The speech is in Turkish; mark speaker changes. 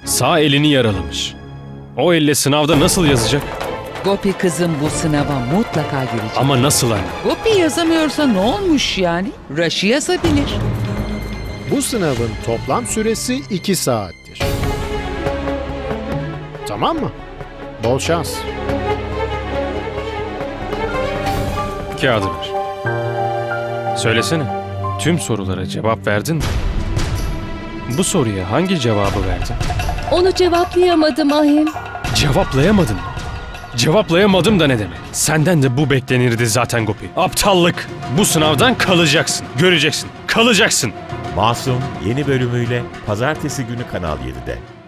Speaker 1: Sağ elini yaralamış. O elle sınavda nasıl yazacak?
Speaker 2: Gopi kızım bu sınava mutlaka girecek.
Speaker 1: Ama nasıl anne?
Speaker 2: Gopi yazamıyorsa ne olmuş yani? Raşi yazabilir.
Speaker 3: Bu sınavın toplam süresi 2 saattir. Tamam mı? Bol şans.
Speaker 1: Kağıdı ver. Söylesene. Tüm sorulara cevap verdin mi? Bu soruya hangi cevabı verdin?
Speaker 4: Onu cevaplayamadım Ahim.
Speaker 1: Cevaplayamadın mı? Cevaplayamadım da ne demek? Senden de bu beklenirdi zaten Gopi. Aptallık. Bu sınavdan kalacaksın. Göreceksin. Kalacaksın.
Speaker 5: Masum yeni bölümüyle Pazartesi günü Kanal 7'de.